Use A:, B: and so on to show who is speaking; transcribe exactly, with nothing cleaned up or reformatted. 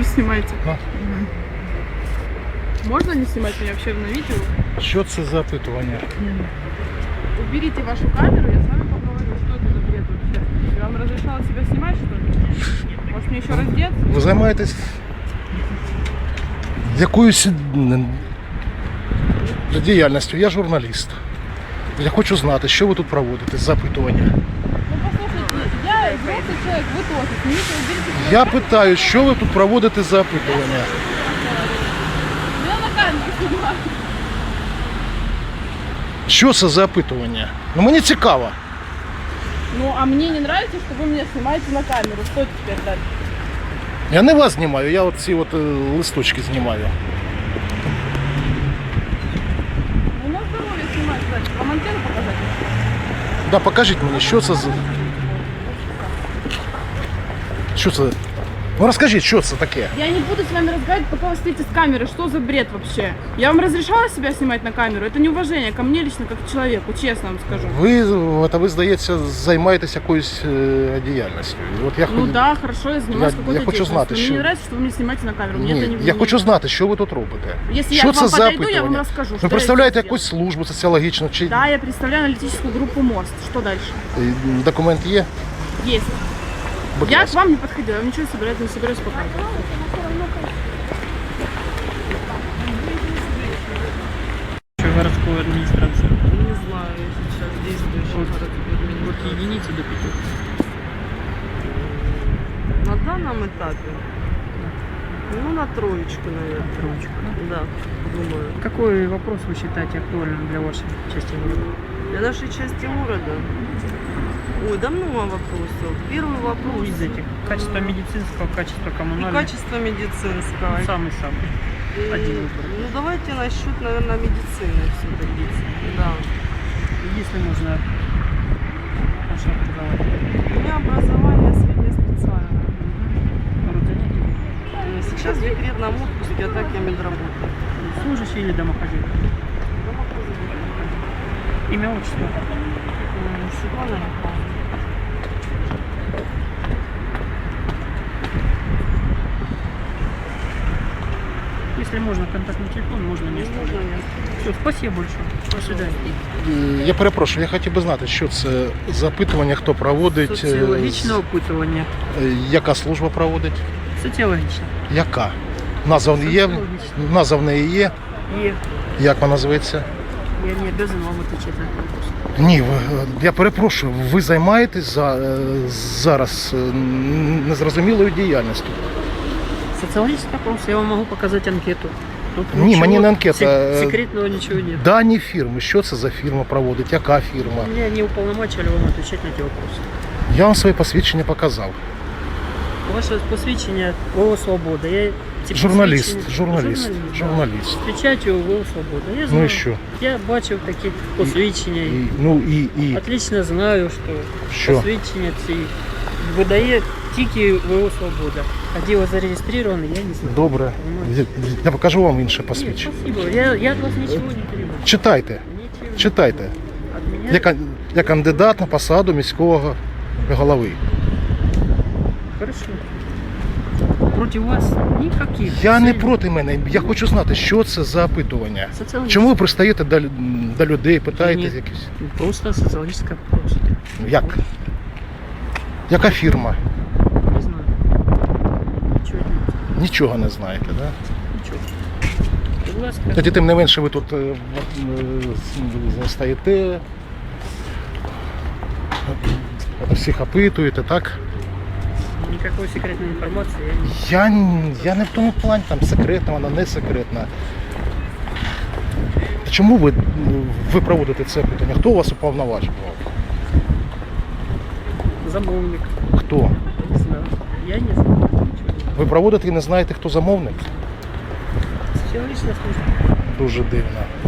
A: снимайте.
B: А?
A: Можно не снимать меня вообще на видео?
B: Що це за опитування?
A: Уберите вашу камеру, я с вами поговорю, что это за бред вообще. Я вам разрешала себя снимать, что ли? Может мне еще раздеться?
B: Ви займаєтесь якоюсь м, діяльністю? Я журналіст. Я хочу знати, що ви тут проводите з запитування.
A: Ну послушайте, я взрослый человек, вы тоже. Снимите, уберите свою
B: Я
A: камеру.
B: питаю, що ви тут проводите за опитування?
A: Я на камеру снимаю.
B: Що це за опитування? Ну мені цікаво.
A: Ну а мне не нравится, что вы меня снимаете на камеру. Что теперь дальше?
B: Я не вас знімаю, я от ці от е, листочки знімаю.
A: Ну на здоровье снимать, кстати. Вам антенну показать?
B: Да, покажіть мені, що це за... Що це? Ну розкажіть, що це таке?
A: Я не буду с вами разговаривать, пока вы стоите с камеры. Что за бред вообще? Я вам разрешала себя снимать на камеру? Это неуважение ко мне лично, как к человеку, честно вам скажу.
B: Ви, от, ви здається, займаєтесь якоюсь е, діяльністю. От я
A: Ну
B: хоч-
A: да, хорошо, я занимаюсь
B: Я-
A: какой-то
B: я хочу
A: деятельностью.
B: знати,
A: Мне
B: що-
A: не нравится, что вы меня снимаете на камеру. Мне
B: Ні,
A: это не
B: я
A: не-
B: хочу знати, що ви тут робите.
A: Если
B: Що
A: я к
B: це
A: вам
B: за
A: подойду, я вам
B: опитування?
A: расскажу. что
B: Ви
A: я
B: представляєте
A: здесь
B: якусь
A: делаю.
B: службу соціологічну чи
A: Да, я представляю аналитическую группу МОСТ. Что дальше?
B: Е, документ є?
A: Есть.
B: Будь
A: Я к
B: ласка.
A: вам не подходила, я вам ничего собираюсь, не собираюсь показывать.
C: Городской администрации.
A: Не знаю, если сейчас действующий городской
C: Вот единицы до пяти.
D: На данном этапе? Ну, на троечку, наверное.
C: Троечку.
D: Да, думаю.
C: Какой вопрос вы считаете актуальным для вашей части города?
D: Для нашей части города? Ой, да много вопросов. Первый
C: Ну,
D: вопрос.
C: из этих. Качество медицинского, качество
D: И
C: коммунального.
D: качество медицинского.
C: Самый-самый.
D: И-
C: один выбор.
D: Ну, давайте насчет, наверное, медицины все-таки. Да.
C: Если можно ваше образование.
D: У меня образование среднеспециальное.
C: Род занятий.
D: Э, Сейчас в декретном отпуске, а так я медработник.
C: Служащий или домохозяйка? Имя, отчество.
D: М, Светлана Михайловна.
C: Если можно, контактный телефон, можно место.
D: Можно нет?
C: Все, спасибо большое. До свидания.
B: Е, Я перепрошую, я хотів би знати, що це за опитування, хто проводить, е,
C: Соціологічне опитування.
B: е, яка служба проводить,
C: Соціологічне.
B: яка? Назва в неї є?
C: Соціологічне.
B: Назва в неї є?
C: Є.
B: Як вона називається?
C: Я не обязан вам отвечать на этот вопрос.
B: Ні, ви- я перепрошую, ви займаєтесь за, е, зараз е, незрозумілою діяльністю.
C: Социологический опрос, я вам могу показать анкету. Тут
B: Не,
C: ничего
B: мне не анкета,
C: сек-
B: э,
C: секретного ничего нет.
B: Дані фірми, що це за фірма проводить, яка фірма?
C: Меня не уполномочили вам отвечать на эти вопросы.
B: Я вам своє посвідчення показав.
C: Ваше посвящение ВО «Свобода». Я ці
B: Журналіст,
C: посвідчення-
B: журналіст,
C: да.
B: журналіст.
C: З печатью ВО «Свобода». Я знаю.
B: Ну і що?
C: Я бачив такі посвідчення.
B: І, ну і, і
C: Отлично знаю, що,
B: Що?
C: посвідчення ці видає тільки ВО «Свобода». А де ви зареєстровані, я не знаю.
B: добре. Я, я покажу вам інше
C: Нет,
B: посвідчення.
C: спасибо. Я, я от вас ничего не требую.
B: Читайте,
C: Ничего.
B: читайте.
C: От меня...
B: Я, кан- я кандидат на посаду міського голови.
C: Хорошо. Против вас никаких.
B: Я не
C: целей.
B: проти мене, я хочу знати, що це за опитування.
C: Социологическое.
B: Чому ви пристаєте до, лю- до людей, питаєте
C: Ні.
B: якісь?
C: Просто социологическое вопрос.
B: Як? Яка фірма?
C: Не знаю. Ничего не
B: Нічого не знаєте, так? Да?
C: Ничего. Будь ласка.
B: Тоді тим не менше ви тут е, е, стоїте, всіх опитуєте, так?
C: Никакой секретной информации я не...
B: Я, н- я не в тому плані, там секретна, вона не секретна. Чому ви, ви проводите це питання? Хто вас уповноважував?
C: Замовник.
B: Хто?
C: Не знаю. Я не знаю. Ничего не знаю.
B: Ви проводите і не знаєте, хто замовник?
C: Социологическая служба.
B: Дуже дивно.